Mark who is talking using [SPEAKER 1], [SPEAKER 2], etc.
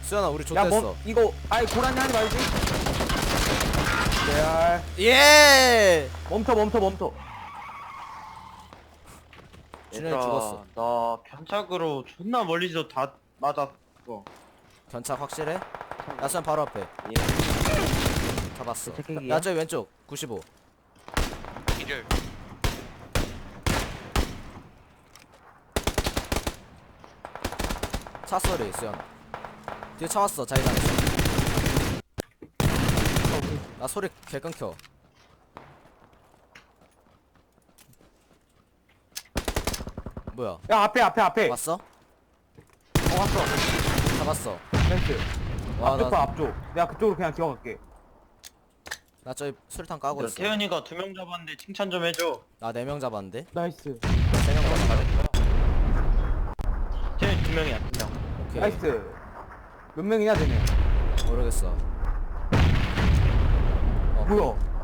[SPEAKER 1] 수연아 우리
[SPEAKER 2] 야,
[SPEAKER 1] 좆됐어.
[SPEAKER 2] 이거 아이 고라니 하지 말지. 레알.
[SPEAKER 1] 예.
[SPEAKER 2] 멈춰.
[SPEAKER 1] 준현이 죽었어.
[SPEAKER 3] 나 견착으로 존나 멀리서 다 맞았어.
[SPEAKER 1] 견착 확실해? 야 수연 바로 앞에.
[SPEAKER 3] 예.
[SPEAKER 1] 잡았어.
[SPEAKER 2] 체크기야?
[SPEAKER 1] 야 저기 왼쪽 95.
[SPEAKER 4] 기절.
[SPEAKER 1] 차 소리 수연. 뒤에 차 왔어 자기장에서. 나 소리 개 끊겨. 뭐야?
[SPEAKER 2] 야, 앞에.
[SPEAKER 1] 왔어?
[SPEAKER 2] 왔어.
[SPEAKER 1] 잡았어.
[SPEAKER 2] 펜스.
[SPEAKER 1] 와
[SPEAKER 2] 앞쪽 봐,
[SPEAKER 1] 나
[SPEAKER 2] 앞쪽. 내가 그쪽으로 그냥 기어갈게.
[SPEAKER 1] 저기 수류탄 까고 있어.
[SPEAKER 3] 태현이가 2명 잡았는데 칭찬 좀 해줘.
[SPEAKER 1] 나 4명 잡았는데.
[SPEAKER 2] 나이스.
[SPEAKER 1] 3명 잡았어.
[SPEAKER 3] 태현이 2명이야 2명.
[SPEAKER 1] 오케이.
[SPEAKER 2] 나이스. 몇 명이냐, 되네.
[SPEAKER 1] 모르겠어.
[SPEAKER 2] 뭐야?